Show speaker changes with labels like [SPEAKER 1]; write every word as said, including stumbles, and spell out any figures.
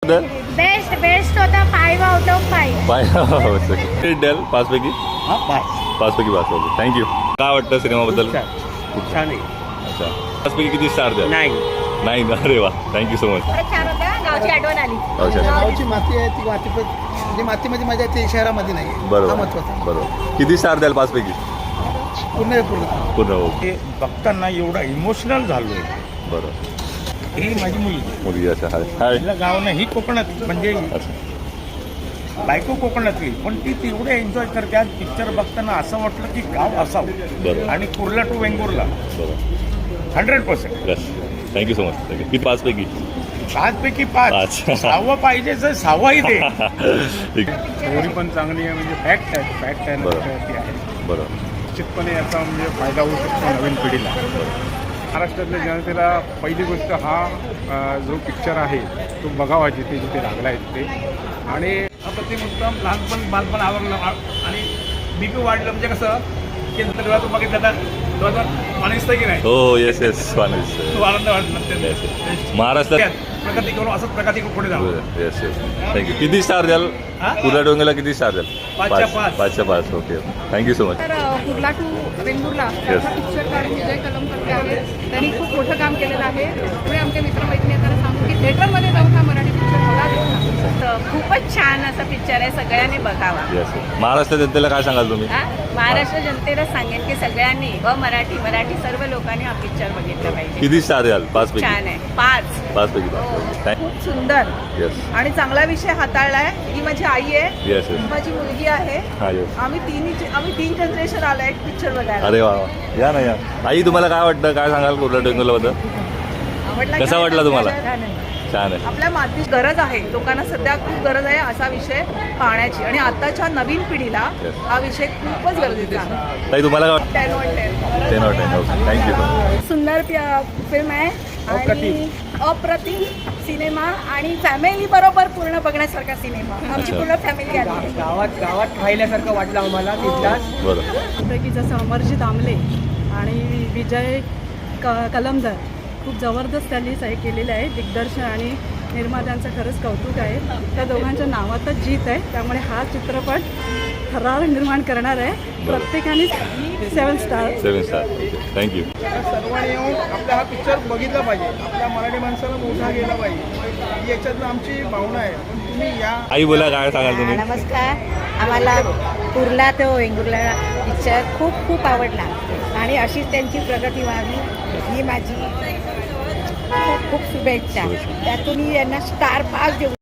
[SPEAKER 1] Best best होता five out of five.
[SPEAKER 2] Five द्याल पाच पैकी?
[SPEAKER 3] हा पाच
[SPEAKER 2] पाच पैकी पाच. Okay thank you. काय वाटतं सिनेमाबद्दल?
[SPEAKER 3] खूप छान आहे.
[SPEAKER 2] अच्छा पाच पैकी किती स्टार द्याल?
[SPEAKER 3] नाही
[SPEAKER 2] नाही ना. अरे वा थँक्यू सो मच.
[SPEAKER 1] छान होता. गावची आठवण आली.
[SPEAKER 2] अच्छा
[SPEAKER 4] गावची माती आहे ती माती पण म्हणजे मातीमध्ये मजा येते शहरामध्ये नाही हा
[SPEAKER 2] बरोबर
[SPEAKER 4] महत्वाचा.
[SPEAKER 2] बरोबर. किती स्टार द्याल पाच पैकी?
[SPEAKER 4] पूर्ण पूर्ण
[SPEAKER 2] पूर्ण हो.
[SPEAKER 3] ते बघताना एवढा इमोशनल झालोय.
[SPEAKER 2] बरोबर.
[SPEAKER 3] ही माझी मुलगी
[SPEAKER 2] मुलगी अच्छा हाय हाय
[SPEAKER 3] तिला गाव नाही, ही कोकणात म्हणजे
[SPEAKER 2] अच्छा
[SPEAKER 3] बायको कोकणातली, पण ती तेवढे एन्जॉय करते. आज पिक्चर बघताना असं वाटलं की गाव असावं.
[SPEAKER 2] बरोबर.
[SPEAKER 3] आणि कुर्ला टू वेंगुर्ला
[SPEAKER 2] बरोबर.
[SPEAKER 3] Hundred percent
[SPEAKER 2] yes thank you so much. Thank you. किती पाच पैकी?
[SPEAKER 3] पाच पैकी पाच.
[SPEAKER 2] पाच.
[SPEAKER 3] सहावं पाहिजे जर सहावाही दे.
[SPEAKER 2] ठीक आहे.
[SPEAKER 5] स्टोरी पण चांगली आहे, म्हणजे फॅक्ट आहे फॅक्ट आहे ना,
[SPEAKER 2] बरं.
[SPEAKER 5] ती आहे.
[SPEAKER 2] बरोबर
[SPEAKER 5] निश्चितपणे याचा म्हणजे फायदा होऊ शकतो नवीन पिढीला. महाराष्ट्रातल्या जनतेला पहिली गोष्ट हा अ, जो पिक्चर आहे तो बघावा जिथे जिथे लागला आहे ते. आणि
[SPEAKER 6] अप्रतिम उत्तम. लहानपण बालपण आवडलं आणि बी पी वाढलं म्हणजे कसं की डोळ्यातून बघितलं तर डोळ्यातून पाणी दिसतं की नाही,
[SPEAKER 2] हो येस येस वानीस
[SPEAKER 6] तो आनंद वाटला.
[SPEAKER 2] Yes yes. महाराष्ट्रात
[SPEAKER 6] प्रगती करून असंच प्रगती पुढे जावं.
[SPEAKER 2] Yes yes thank you. किती स्टार द्याल?
[SPEAKER 6] हा?
[SPEAKER 2] कुर्ला डोंगरला किती स्टार द्याल?
[SPEAKER 6] पाचच्या पाच.
[SPEAKER 2] पाचच्या पाच. Okay thank you so much.
[SPEAKER 7] तर कुर्ला टू वेंगुर्ला याचा पिक्चर काढून विजय कलमकर आहेत. त्यांनी खूप मोठं काम केलेलं आहे. त्यामुळे आमच्या मित्रमैत्रिणी त्यांना सांगू की थिएटरमध्ये जाऊन हा मराठी पिक्चर बघा.
[SPEAKER 1] खूपच छान असा पिक्चर आहे. सगळ्यांनी बघावा.
[SPEAKER 2] येस महाराष्ट्र जनतेला काय सांगाल तुम्ही?
[SPEAKER 1] हा? महाराष्ट्र जनतेला सांगेन की सगळ्यांनी व मराठी मराठी सर्व लोकांनी हा पिक्चर बघितला पाहिजे.
[SPEAKER 2] किती स्टार द्याल? पाच पैकी?
[SPEAKER 1] छान आहे. पाच.
[SPEAKER 2] पाच पैकी पाच.
[SPEAKER 7] खूप सुंदर
[SPEAKER 2] येस
[SPEAKER 7] आणि चांगला विषय हाताळलाय. ही माझी आई आहे,
[SPEAKER 2] येस येस
[SPEAKER 7] माझी मुलगी आहे.
[SPEAKER 2] हा येस.
[SPEAKER 7] आम्ही तिन्ही आम्ही तीन जनरेशन आलाय पिक्चर बघायला.
[SPEAKER 2] अरे वा वा. या ना या. आई तुम्हाला काय वाटतं? काय सांगाल कुर्ला डोंगरला?
[SPEAKER 7] आवडला
[SPEAKER 2] कसा
[SPEAKER 7] का?
[SPEAKER 2] वाटला तुम्हाला?
[SPEAKER 7] छान आहे.
[SPEAKER 2] छान आहे.
[SPEAKER 7] आपल्या माती गरज आहे. लोकांना सध्या खूप गरज आहे असा विषय पाहण्याची आणि आताच्या नवीन पिढीला
[SPEAKER 2] Yes.
[SPEAKER 7] हा विषय खूपच गरजेचा आहे.
[SPEAKER 2] ताई तुम्हाला काय वाटतं?
[SPEAKER 7] Ten on ten.
[SPEAKER 2] Ten out ten. Okay thank you.
[SPEAKER 7] सुंदर फिल्म आहे आणि अप्रतिम सिनेमा आणि फॅमिली बरोबर पूर्ण बघण्यासारखा सिनेमा. आमची
[SPEAKER 2] अच्छा.
[SPEAKER 7] पूर्ण फॅमिली आली.
[SPEAKER 8] गावात गावात राहिल्यासारखं वाटलं आम्हाला तिथलाच.
[SPEAKER 2] बरं
[SPEAKER 9] पैकी जसं अमरजित आमले आणि विजय क कलमदर खूप जबरदस्त त्यांनी हे केलेलं आहे. दिग्दर्शन आणि निर्मात्यांचं खरंच कौतुक आहे. त्या दोघांच्या नावातच जीत आहे. त्यामुळे हा चित्रपट थरार निर्माण करणार आहे. प्रत्येकाने seven star.
[SPEAKER 2] Seven star. Thank you.
[SPEAKER 4] सर्वांनी येऊन आपला हा पिक्चर बघितला पाहिजे. आपल्या मराठी माणसाला मोठा गेला पाहिजे ही याच्यातनं आमची भावना आहे. पण तुम्ही या
[SPEAKER 2] आई बोला काय सांगाल तुम्ही?
[SPEAKER 1] नमस्कार. आम्हाला कुर्ला तो वेंगुर्ला पिक्चर खूप खूप आवडला आणि अशीच त्यांची प्रगती व्हावी ही माझी खूप खूप शुभेच्छा. त्यातून यांना स्टार पाच देऊ.